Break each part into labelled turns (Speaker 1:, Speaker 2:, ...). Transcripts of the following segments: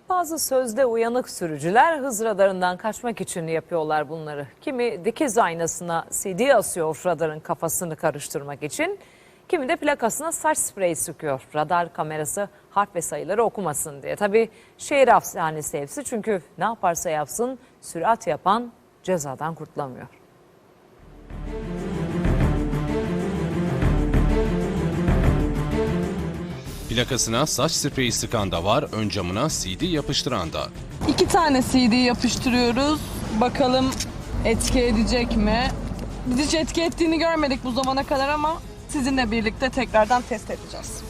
Speaker 1: Bazı sözde uyanık sürücüler hız radarından kaçmak için yapıyorlar bunları. Kimi dikiz aynasına CD asıyor radarın kafasını karıştırmak için. Kimi de plakasına saç spreyi sıkıyor. Radar kamerası harf ve sayıları okumasın diye. Tabii şehir hapishanesi hepsi, çünkü ne yaparsa yapsın sürat yapan cezadan kurtulamıyor.
Speaker 2: Plakasına saç spreyi sıkan da var, ön camına CD yapıştıran da.
Speaker 3: 2 tane CD yapıştırıyoruz. Bakalım etki edecek mi? Biz hiç etki ettiğini görmedik bu zamana kadar ama sizinle birlikte tekrardan test edeceğiz.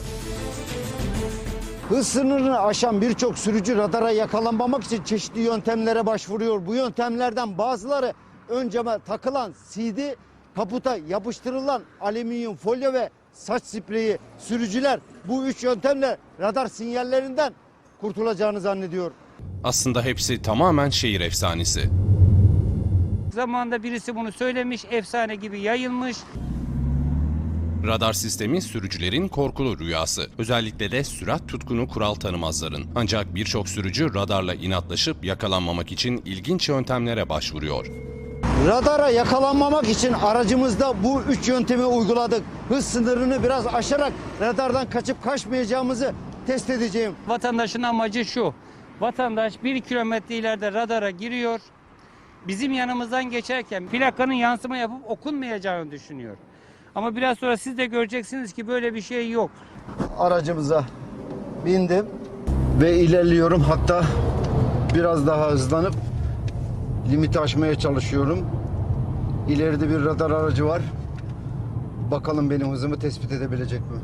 Speaker 4: Hız sınırını aşan birçok sürücü radara yakalanmamak için çeşitli yöntemlere başvuruyor. Bu yöntemlerden bazıları ön cama takılan CD, kaputa yapıştırılan alüminyum folyo ve saç spreyi. Sürücüler bu üç yöntemle radar sinyallerinden kurtulacağını zannediyor.
Speaker 2: Aslında hepsi tamamen şehir efsanesi.
Speaker 5: Zamanında birisi bunu söylemiş, efsane gibi yayılmış.
Speaker 2: Radar sistemi sürücülerin korkulu rüyası. Özellikle de sürat tutkunu kural tanımazların. Ancak birçok sürücü radarla inatlaşıp yakalanmamak için ilginç yöntemlere başvuruyor.
Speaker 4: Radara yakalanmamak için aracımızda bu üç yöntemi uyguladık. Hız sınırını biraz aşarak radardan kaçıp kaçmayacağımızı test edeceğim.
Speaker 5: Vatandaşın amacı şu: vatandaş 1 kilometre ileride radara giriyor. Bizim yanımızdan geçerken plakanın yansıma yapıp okunmayacağını düşünüyor. Ama biraz sonra siz de göreceksiniz ki böyle bir şey yok.
Speaker 4: Aracımıza bindim ve ilerliyorum. Hatta biraz daha hızlanıp limiti aşmaya çalışıyorum. İleride bir radar aracı var. Bakalım benim hızımı tespit edebilecek mi?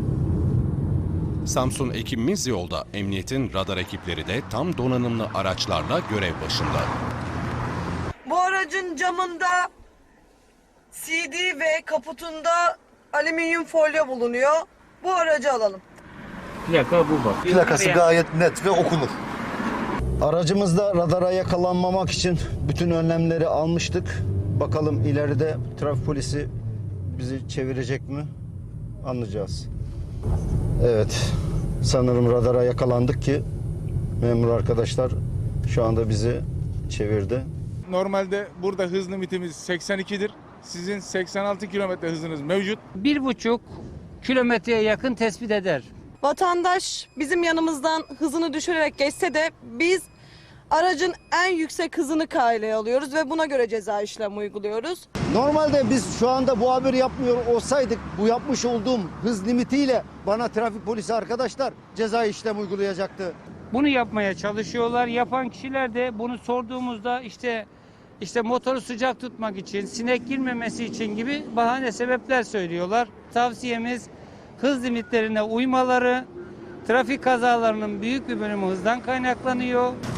Speaker 2: Samsun ekibimiz yolda. Emniyetin radar ekipleri de tam donanımlı araçlarla görev başında.
Speaker 3: Bu aracın camında CD ve kaputunda alüminyum folyo bulunuyor. Bu aracı alalım.
Speaker 5: Plaka bu bak.
Speaker 4: Plakası gayet net ve okunur. Aracımızda radara yakalanmamak için bütün önlemleri almıştık. Bakalım ileride trafik polisi bizi çevirecek mi? Anlayacağız. Evet. Sanırım radara yakalandık ki memur arkadaşlar şu anda bizi çevirdi.
Speaker 6: Normalde burada hız limitimiz 82'dir. Sizin 86 kilometre hızınız mevcut.
Speaker 5: 1,5 kilometreye yakın tespit eder.
Speaker 3: Vatandaş bizim yanımızdan hızını düşürerek geçse de biz aracın en yüksek hızını kaydeye alıyoruz ve buna göre ceza işlemi uyguluyoruz.
Speaker 4: Normalde biz şu anda bu haberi yapmıyor olsaydık bu yapmış olduğum hız limitiyle bana trafik polisi arkadaşlar ceza işlem uygulayacaktı.
Speaker 5: Bunu yapmaya çalışıyorlar. Yapan kişiler de bunu sorduğumuzda işte motoru sıcak tutmak için, sinek girmemesi için gibi bahane sebepler söylüyorlar. Tavsiyemiz hız limitlerine uymaları. Trafik kazalarının büyük bir bölümü hızdan kaynaklanıyor.